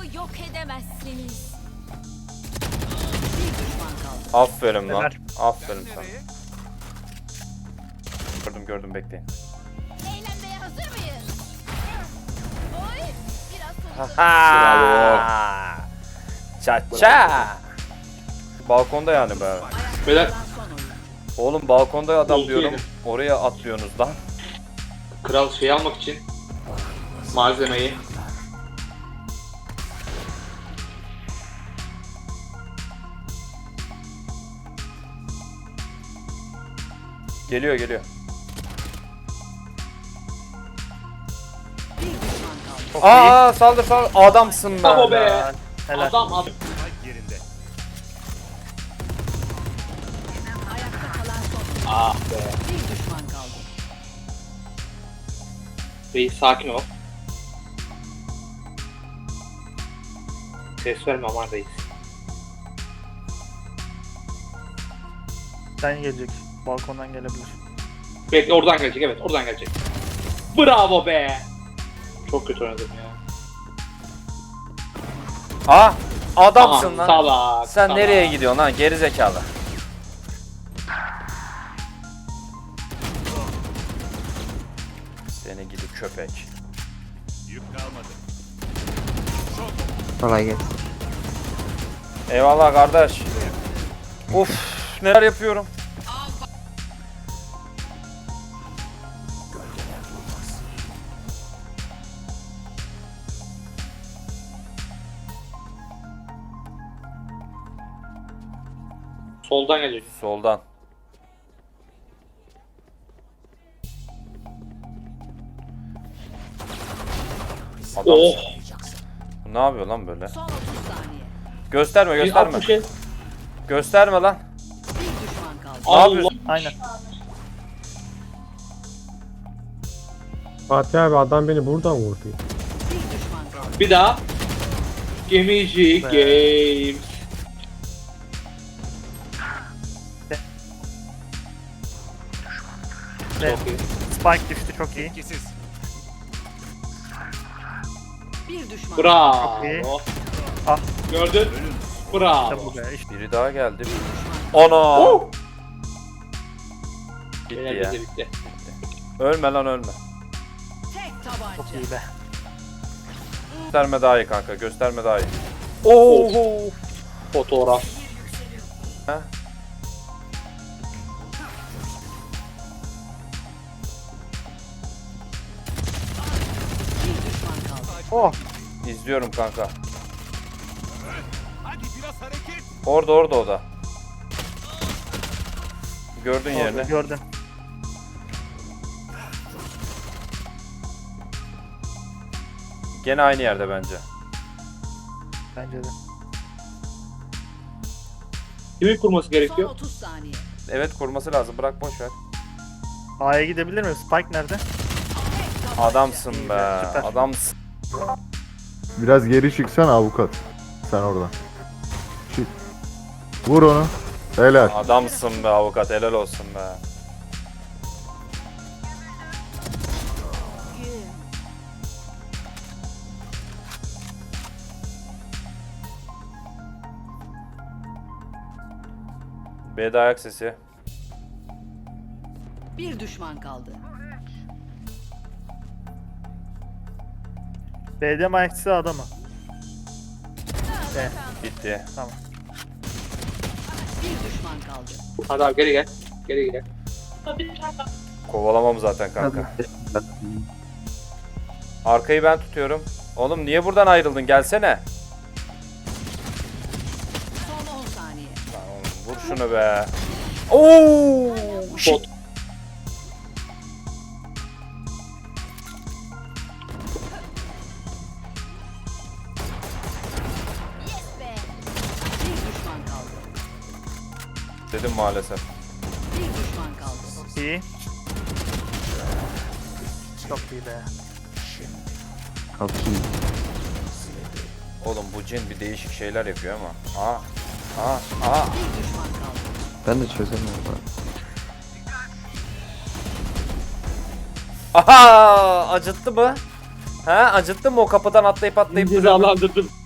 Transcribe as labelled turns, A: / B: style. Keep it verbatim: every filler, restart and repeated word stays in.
A: Dostlarımı yok edemezsiniz. Bir düşman kaldı.
B: Aferin lan.
C: Ömer.
B: Aferin sana. Gördüm gördüm bekleyin.
A: Eğlenmeye hazır mıyız? Oy! Biraz soluk.
B: Ha. Ça ça. Balkonda yani be.
D: Beyler
A: Kalan son oyun.
B: Oğlum balkonda adam
D: Oldu
B: diyorum.
D: yine.
B: Oraya atlıyorsunuz lan.
D: kral şey almak için malzemeyi.
B: Geliyor geliyor.
A: Bir düşman kaldı.
C: Çok iyi.
B: Aa saldır saldır. Adamsın be.
D: Bravo be.
C: Helal. Helal.
D: Adam adam.
A: Ayakta kalan son oyun.
D: Ah be.
A: Bir düşman kaldı.
D: Reis sakin ol. Ses verme aman reis.
C: Sen gelecek. Balkondan gelebilir.
D: Bekle oradan gelecek, evet oradan gelecek. Bravo be. Çok kötü oynadım ya.
B: Aa adamsın
D: Aman,
B: lan.
D: salak,
B: Sen
D: salak.
B: nereye gidiyorsun lan geri zekalı? Seni gidi köpek.
E: Kolay gelsin.
B: Eyvallah kardeş. Of neler yapıyorum.
D: Soldan gelecek.
B: Soldan. Adam
D: Oh.
B: ne yapıyor lan böyle?
A: Son otuz saniye.
B: Gösterme gösterme.
D: Bir şey.
B: Gösterme lan.
A: Bir düşman kaldı.
B: Ne
D: Allah.
B: yapıyorsun?
C: Aynen.
F: Fatih abi adam beni buradan vurdu.
A: Bir düşman kaldı.
D: Bir daha. Gemici Games.
C: Ve
D: Çok iyi.
C: Spike düştü, çok iyi.
A: Bir düşman.
D: Bravo.
C: Çok iyi. Ah.
D: Gördün?
C: İşte
D: Bravo.
C: bu be. İşte.
B: Biri daha geldi. Ana.
D: Oh.
B: Bitti
D: Beyler
B: ya.
D: bitti bitti.
B: Ölme lan ölme.
A: Tek
C: Çok
A: tabanca.
C: iyi be.
B: Gösterme daha iyi kanka. Gösterme daha iyi. Oo.
D: Fotoğraf.
B: Ha?
A: Bir düşman kaldı.
C: Oh.
B: İzliyorum kanka. Orada orada o da. Gördün
C: Orada
B: yerini.
C: gördüm.
B: Gene aynı yerde bence.
C: Bence de.
D: Kimin kurması
A: Son
D: gerekiyor?
A: otuz saniye.
B: Evet kurması lazım. Bırak boş ver.
C: A'ya gidebilir mi? Spike nerede?
B: Adamsın be.
C: Süper.
B: Adamsın.
G: Biraz geri çıksana avukat. Sen oradan. Çık. Vur onu. Helal.
B: Adamsın be avukat. Helal olsun be. B'de ayak sesi.
A: Bir düşman kaldı.
C: B'de mi ayakçısı A'da mı? B.
B: Bitti.
C: Tamam.
A: Bir düşman kaldı.
D: Hadi abi geri gel. Geri gel.
B: Kovalamam zaten kanka. Arkayı ben tutuyorum. Oğlum niye buradan ayrıldın? Gelsene.
A: Son on saniye.
B: Lan oğlum, vur şunu be. Oo!
D: Bot.
A: Yes be. Bir düşman kaldı.
B: Dedim maalesef.
A: Bir düşman kaldı.
C: İyi. Çok iyi be.
E: Kalkayım.
B: Oğlum bu cin bir değişik şeyler yapıyor ama. Aa. Aa. Aa.
A: Bir düşman kaldı.
E: Ben de çözemiyorum.
B: Aha! Acıttı mı? Ha? Acıttı mı o kapıdan atlayıp atlayıp duruyor?
D: Cezalandırdım.